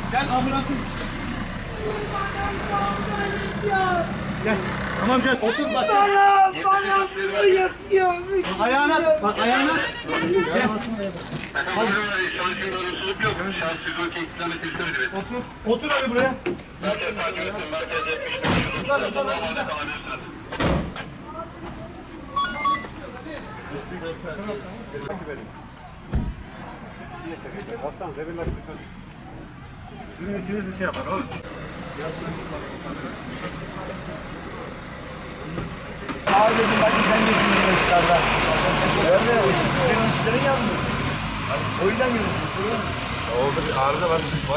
Gel ambulansın. Gel. Tamam gel. Otur bak. Bana yapıyor. Ayağına. Bak ayağına. Gel. Hadi. Çalışın olumsuzluk yok. Şans 112 kilometre söyledi. Otur. Otur hadi buraya. Merkez takip etsin. Merkez 75. Uzan. Normalde kalabilirsiniz. Baksan zeminler tutuyor. Sizin işinizi şey yapar oğlum. Abi dedim bak sen geçin bu işlerden. Öyle o senin işlerin yandı. O yüzden yürüdüm. Oldu bir arıza var.